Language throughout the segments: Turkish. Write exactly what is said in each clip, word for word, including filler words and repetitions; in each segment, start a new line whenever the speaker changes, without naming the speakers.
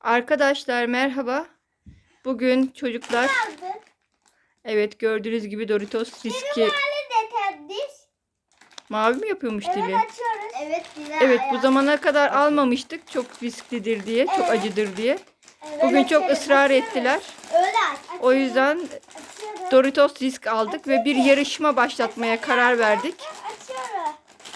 Arkadaşlar merhaba. Bugün çocuklar
Aldı.
evet gördüğünüz gibi Doritos
Benim
riski
hali de temiz.
mavi mi yapıyormuş
Evet,
dili?
açıyoruz. Evet Dila.
Evet bu
ayağı.
zamana kadar almamıştık çok risklidir diye, çok
Evet.
acıdır diye.
Evet,
Bugün çok
açıyorum,
ısrar
açıyorum.
ettiler.
Öyle aç.
O
açıyorum,
yüzden
açıyorum.
Doritos risk aldık ve bir yarışma başlatmaya karar verdik.
Açıyorum.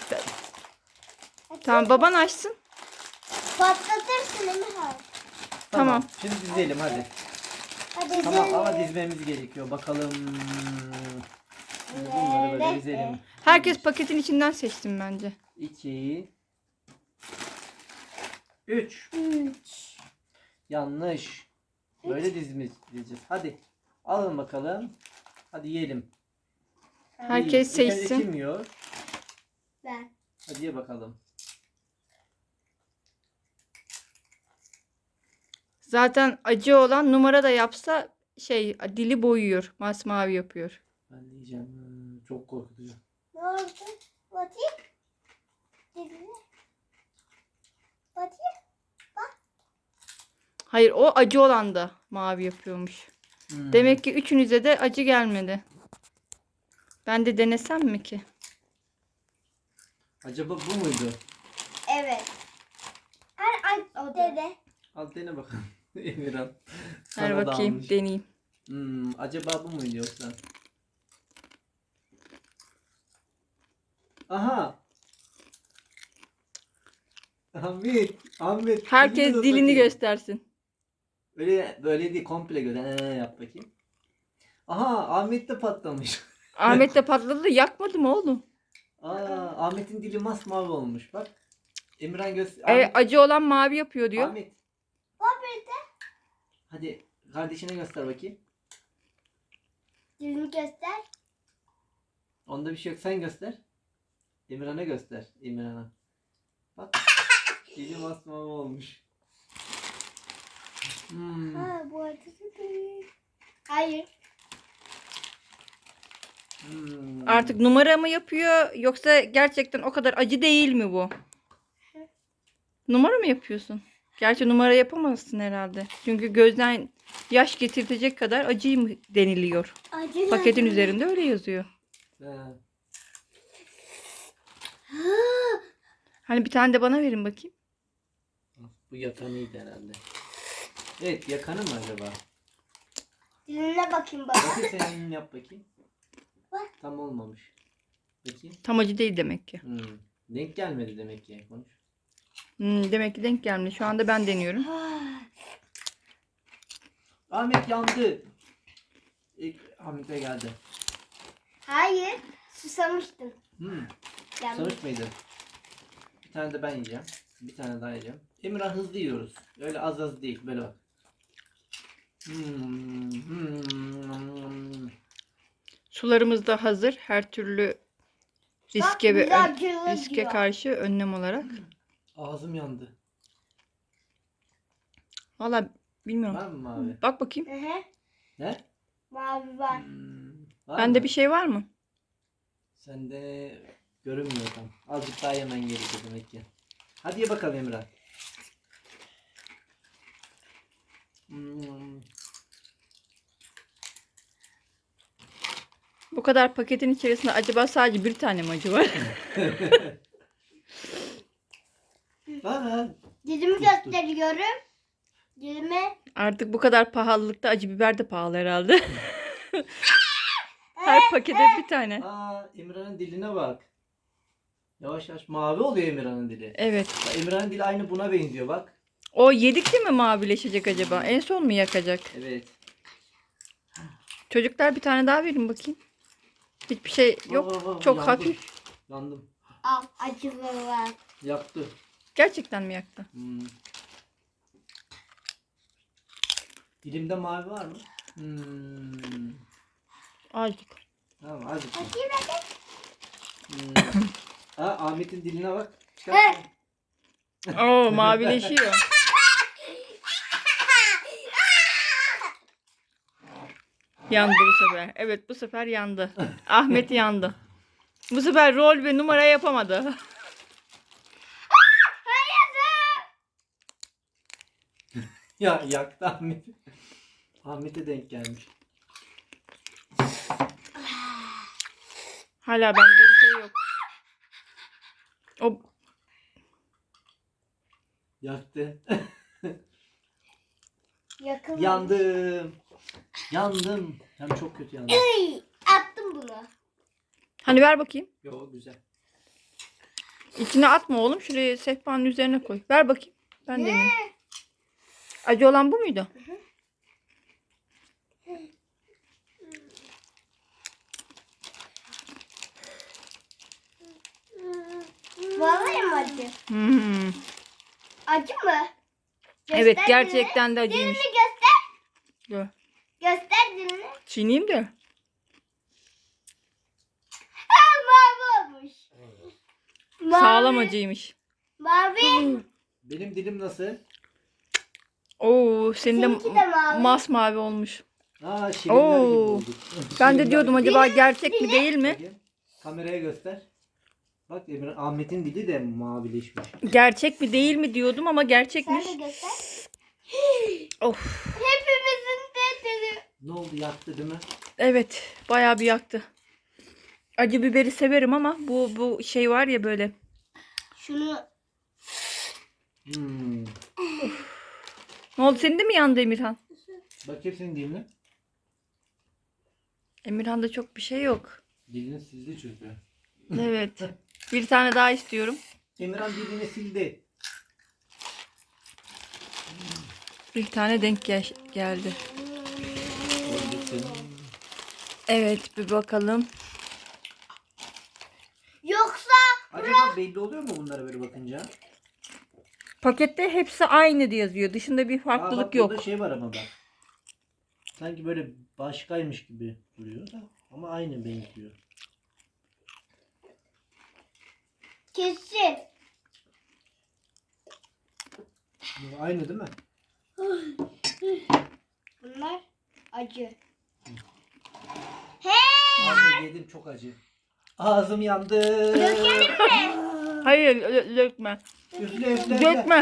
Tamam baban açsın.
Patlatırsın Emir.
Tamam.
Şimdi dizelim hadi.
Hadi
Tamam
dizelim.
ama dizmemiz gerekiyor. Bakalım. Şimdi bunları böyle dizelim.
Herkes paketin içinden seçsin bence.
iki üç
Üç.
Yanlış. Böyle dizmiş diyeceğiz. Hadi. Alın bakalım. Hadi yiyelim.
Herkes
İyi. İlk önce
seçsin.
kim yiyor?
Ben.
Hadi ye bakalım.
Zaten acı olan numara da yapsa şey dili boyuyor. Masmavi yapıyor.
Ben de yiyeceğim. Hmm, Çok korkutucu.
Ne oldu? Bakayım. Dizine. Bakayım.
Hayır o acı olan da mavi yapıyormuş.
Hmm.
Demek ki üçünüze de acı gelmedi. Ben de denesem mi ki?
Acaba bu muydu?
Evet. Ay, ay, o dede.
Al dene bakalım. Emirhan.
Ver
Sana da
bakayım
almış.
deneyeyim.
Hmm, acaba bu muydu yoksa? Aha. Ahmet, Ahmet.
Herkes
tut
dilini
bakayım.
göstersin.
Böyle böyle değil, komple göster. Ee, yap bakayım. Aha, Ahmet de patlamış.
Ahmet de patladı da yakmadı mı oğlum?
Aa, Ahmet'in dili masmavi olmuş bak. Emirhan göster.
E,
Ahmet.
acı olan mavi yapıyor diyor.
Ahmet.
Babette.
Hadi kardeşine göster bakayım.
Dilini göster.
Onda bir şey yok, sen göster. Emirhan'a göster. Emirhan'a. Bak. Dili masmavi olmuş. Hmm.
Ha bu acısı değil. Hayır.
Hmm.
Artık numara mı yapıyor yoksa gerçekten o kadar acı değil mi bu? Numara mı yapıyorsun? Gerçi numara yapamazsın herhalde. Çünkü gözden yaş getirtecek kadar acı mı deniliyor.
Acı
Paketin
acı.
üzerinde öyle yazıyor.
Ha.
Hani bir tane de bana verin bakayım.
Bu yakanıydı herhalde. Evet, yakanı mı acaba?
Diline bakayım baba.
Bakayım senin yap bakayım.
Bak.
Tam olmamış. Bakayım.
Tam acı değil demek ki.
Hmm. Denk gelmedi demek ki. Konuş.
Hmm, demek ki denk gelmiş. Şu anda ben deniyorum.
Ahmet yandı. İlk Ahmet'e geldi.
Hayır. Susamıştım.
Hmm.
Yani
Sonuç mıydı? Bir tane de ben yiyeceğim. Bir tane daha yiyeceğim. Emirhan hızlı yiyoruz. Öyle az az değil. Böyle bak. Hmm. Hmm.
Sularımız da hazır. Her türlü riske ve
güzel
ön-
cıvıl
riske
cıvıl.
karşı önlem olarak.
Ağzım yandı.
Valla bilmiyorum.
Var mı mavi?
Bak bakayım.
Hı hı.
Ne?
Mavi var.
Hmm. Var
Bende
mı?
bir şey var mı?
Sende görünmüyor tam. Azıcık daha yemen gerekiyor demek ki. Hadi ye bakalım Emrah. Hmm.
Bu kadar paketin içerisinde acaba sadece bir tane mi acı var?
Bak.
Dilimi
Dur, dur.
gösteriyorum. Dilimi.
Artık bu kadar pahalılıkta acı biber de pahalı herhalde. Her pakete bir tane.
Aa, Emirhan'ın diline bak. Yavaş yavaş mavi oluyor Emirhan'ın dili.
Evet.
Bak, Emirhan'ın dili aynı buna benziyor bak.
O yedikçe mi mavileşecek acaba? En son mu yakacak?
Evet.
Çocuklar bir tane daha verin bakayım. Hiçbir şey yok.
Bak, bak, bak,
Çok
yandım.
hafif.
Yandım.
Al acılı var.
Yaktı.
Gerçekten mi yaktı?
Hmm. Dilimde mavi var mı? Hmm.
Azıcık.
Tamam azıcık.
Bakayım bakayım.
Hmm. Ha, Ahmet'in diline bak. Çıkar.
Evet.
Oo mavileşiyor. Yandı bu sefer. Evet bu sefer yandı. Ahmet yandı. Bu sefer rol ve numara yapamadı.
Ya yaktı Ahmet. Ahmet'e denk gelmiş.
Hala bende bir şey yok. O
Yaktı.
Yakın.
Yandım. Yandım. Hem çok kötü yandım.
Iy, attım bunu.
hani ver bakayım.
Yo güzel.
İçine atma oğlum. Şuraya sehpanın üzerine koy. Ver bakayım. Ben deneyeyim. Acı olan bu muydu?
Vallahi mi acı?
Hmm.
Acı mı?
Evet
Göster
gerçekten de
dilini.
acıymış.
Dilini göster.
Dur.
Göster dilini.
Çiğneyim de.
Ha, mavi olmuş. Mavi.
Sağlam acıymış.
Mavi.
Benim dilim nasıl?
Oo, senin de
Seninki de mavi.
masmavi olmuş.
Aa şirinler gibi
Oo.
olduk.
Ben de
Şirinler
diyordum
gibi.
acaba gerçek mi değil mi?
Bakayım. Kameraya göster. Bak Emre, Ahmet'in dili de mavileşmiş.
Gerçek mi değil mi diyordum ama gerçekmiş.
Sen de göster.
Of.
Hepimizin de dili.
Ne oldu, yaktı değil mi?
Evet, bayağı bir yaktı. Acı biberi severim ama bu bu şey var ya böyle.
Şunu
Hmm.
Ne oldu, senin de mi yandı Emirhan?
Bakayım senin dilini.
Emirhan'da çok bir şey yok.
Dilini sildi çünkü.
Evet. Bir tane daha istiyorum.
Emirhan dilini sildi.
Bir tane denk gel- geldi.
Gördük.
Evet, bir bakalım.
yoksa
Acaba belli oluyor mu bunlara böyle bakınca?
Pakette hepsi aynı diye yazıyor. Dışında bir
Aa,
farklılık
bak,
yok.
Burada şey var ama bak. Sanki böyle başkaymış gibi duruyor da ama aynı benziyor.
kesin.
Aynı değil mi?
Bunlar acı. Hey!
Ağzım yedim, çok acı. Ağzım yandı.
Dökelim mi?
Hayır, dö- dökme.
Üfle üfle.
Dökme.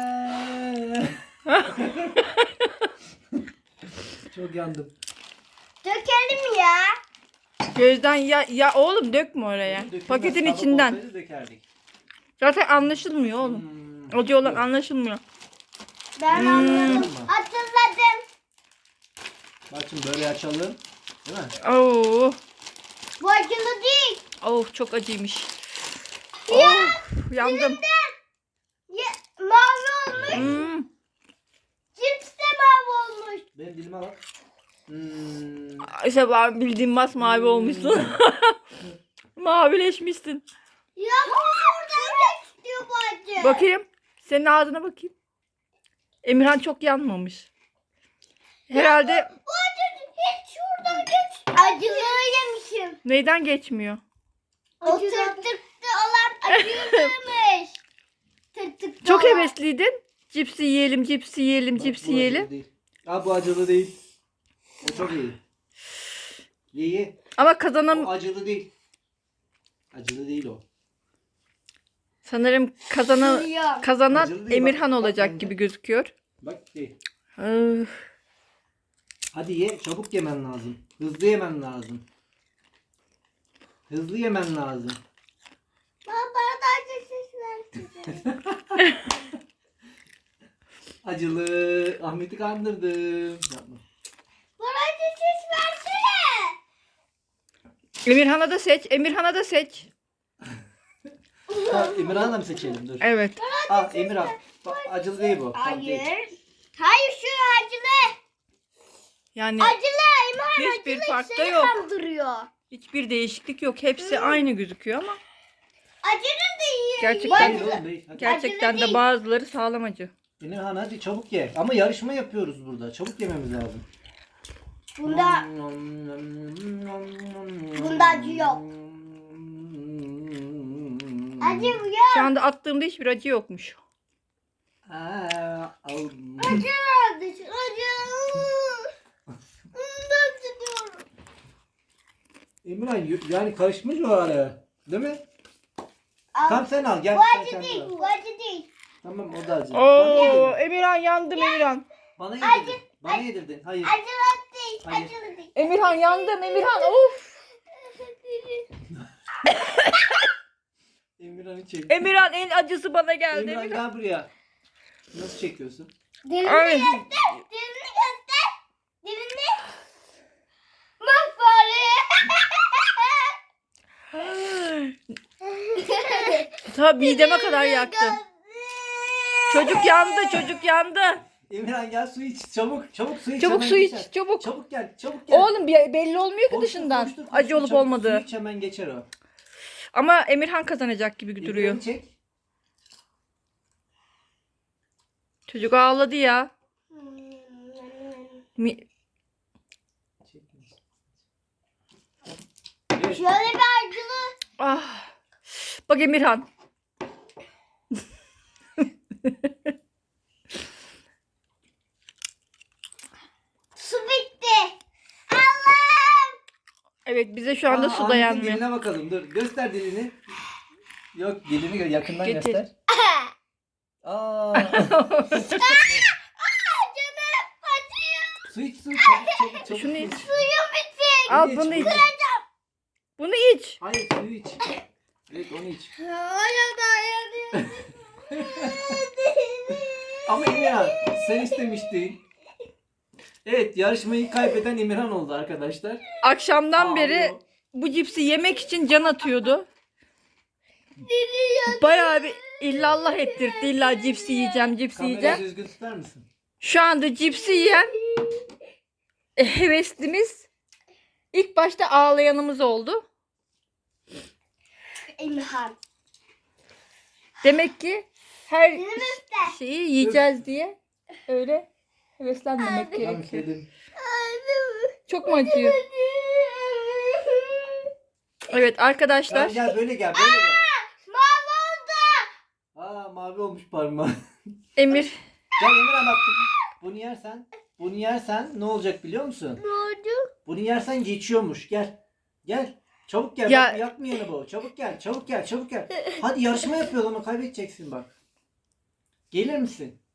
Çok yandım.
Dökelim ya.
Gözden ya ya oğlum, dökme oraya.
Dökülmez.
Paketin
Kabuk
içinden.
olsaydı dökerdik.
Zaten anlaşılmıyor oğlum.
Hmm.
Acı olan
Yok.
anlaşılmıyor.
Ben
Hmm.
anladım. Hatırladım.
Bak şimdi böyle açalım. Değil mi?
Oo.
Bu acılı değil.
Of, çok acıymış.
Ya.
Of, yandım.
Ya, mavi olmuş.
Hmm.
Cips de mavi olmuş.
Benim dilime bak. Hmm.
İşte ben bildiğim masmavi olmuşsun. Mavileşmişsin.
Ya buradan geçiyor bu acı.
Bakayım. Senin ağzına bakayım. Emirhan çok yanmamış. Herhalde
Bu acı hiç şuradan geç. Acılığı yemişim.
neyden geçmiyor?
O tırtıklı olan acıymış. Tırtıklı
Çok
olan.
hevesliydin. Cipsi yiyelim, cipsi yiyelim,
Bak,
cipsi
bu acılı
yiyelim.
değil. Aa, bu acılı değil. O çok iyi. Ye ye.
Ama kazanan
O acılı değil. Acılı değil o.
sanırım kazanan
Biliyorum.
kazanan
Acılı değil,
Emirhan
bak- bak
olacak
bence.
gibi gözüküyor.
Bak değil.
Öf.
Hadi ye. Çabuk yemen lazım. Hızlı yemen lazım. Hızlı yemen lazım.
Baba da acı ses versin.
Acılı. Ahmet'i kandırdım. Yapma.
Bana acı ses versene.
Emirhan'a da seç. Emirhan'a da seç.
Ha, Emirhan'ı da mı seçelim? Dur.
Evet.
Aa, Emirhan. Bak, acılı değil bu. Tam değil.
Hayır. Hayır şu acılı.
Yani
Acılı. İmhan
hiçbir
acılı
fark da
seni
yok.
kandırıyor.
Hiçbir değişiklik yok. Hepsi aynı gözüküyor ama
Acılı değil.
Gerçekten-
Değil oğlum, değil. Hadi.
gerçekten
Acılı
de
değil.
bazıları sağlam acı.
Emirhan hadi çabuk ye. Ama yarışma yapıyoruz burada. Çabuk yememiz lazım.
Bunda Bunda acı yok. acı yok.
Şu anda attığımda hiçbir acı yokmuş.
Aa, al.
Acı vardı. Acı. Ben tutuyorum.
Emirhan y- yani karışmış o araya. Değil mi?
Al.
Tam sen al gel.
Bu
sen
acı
kendin
değil.
al.
Bu acı değil.
Tamam o da acı.
Oo,
Bak,
Emirhan yandım Emirhan.
Bana yedirdin. Bana yedirdin. Hayır.
Acılı değil.
Hayır.
Acılı değil.
Emirhan yandım Emirhan of.
Emirhan'ı çek.
Emirhan en acısı bana geldi.
Emirhan
Emirhan.
gel buraya. Nasıl çekiyorsun?
Dilini
Ay.
göster. Dilini göster. Dilini. Bak bari.
Ta mideme kadar yaktı. Çocuk yandı çocuk yandı.
Emirhan gel su iç. Çabuk çabuk su iç.
Çabuk
hemen
su iç
geçer.
çabuk.
Çabuk gel. Çabuk gel.
Oğlum bir- belli olmuyor ki
Koştur,
dışından
koştur, koştur.
acı olup
Çabuk
olmadığı.
Su iç hemen geçer o.
Ama Emirhan kazanacak gibi duruyor.
Emirhan'ı çek.
Çocuk ağladı ya. Mi-
Çek. Evet.
Şöyle bir acılı.
Ah. Bak Emirhan.
Su bitti. Allah'ım.
Evet bize şu anda
Aa,
su
Ahmet'in
dayanmıyor.
diline bakalım. Dur göster dilini. Yok dilini gö- yakından
Getir.
göster. Aa.
Canım acıyor.
Su iç su çabuk çabuk çabuk.
Şunu
su
iç.
Suyum bitti.
Al
iç,
bunu iç.
bunu.
Bunu iç.
Hayır suyu iç. Evet onu iç.
Hala dayanıyor.
Ama Emirhan sen istemiştin. Evet yarışmayı kaybeden Emirhan oldu arkadaşlar.
Akşamdan
Ağlıyor.
beri bu cipsi yemek için can atıyordu.
Dili yanıyor.
Bayağı bir illallah ettirdi. İlla cipsi yiyeceğim, cipsi
Kamerayı
yiyeceğim.
düzgün tutar mısın?
Şu anda cipsi yiyen e, heveslimiz ilk başta ağlayanımız oldu.
Emirhan.
Demek ki her
Dilimi öpte.
şeyi yiyeceğiz diye öyle heveslenmemek
Tamam
gerekiyor.
istedim.
Çok mu acıyor? Evet arkadaşlar.
Tamam, gel böyle gel böyle gel.
Mavi oldu.
Aa mavi olmuş parmağı.
Emir
Gel Emirhan bak. Bunu yersen, bunu yersen ne olacak biliyor musun?
Ne oldu?
Bunu yersen geçiyormuş. Gel. Gel. Çabuk gel.
Ya-
Bak, yakmayanı bu. Çabuk gel. Çabuk gel. Çabuk gel. Hadi yarışma yapıyoruz ama kaybedeceksin bak. Gelir misin?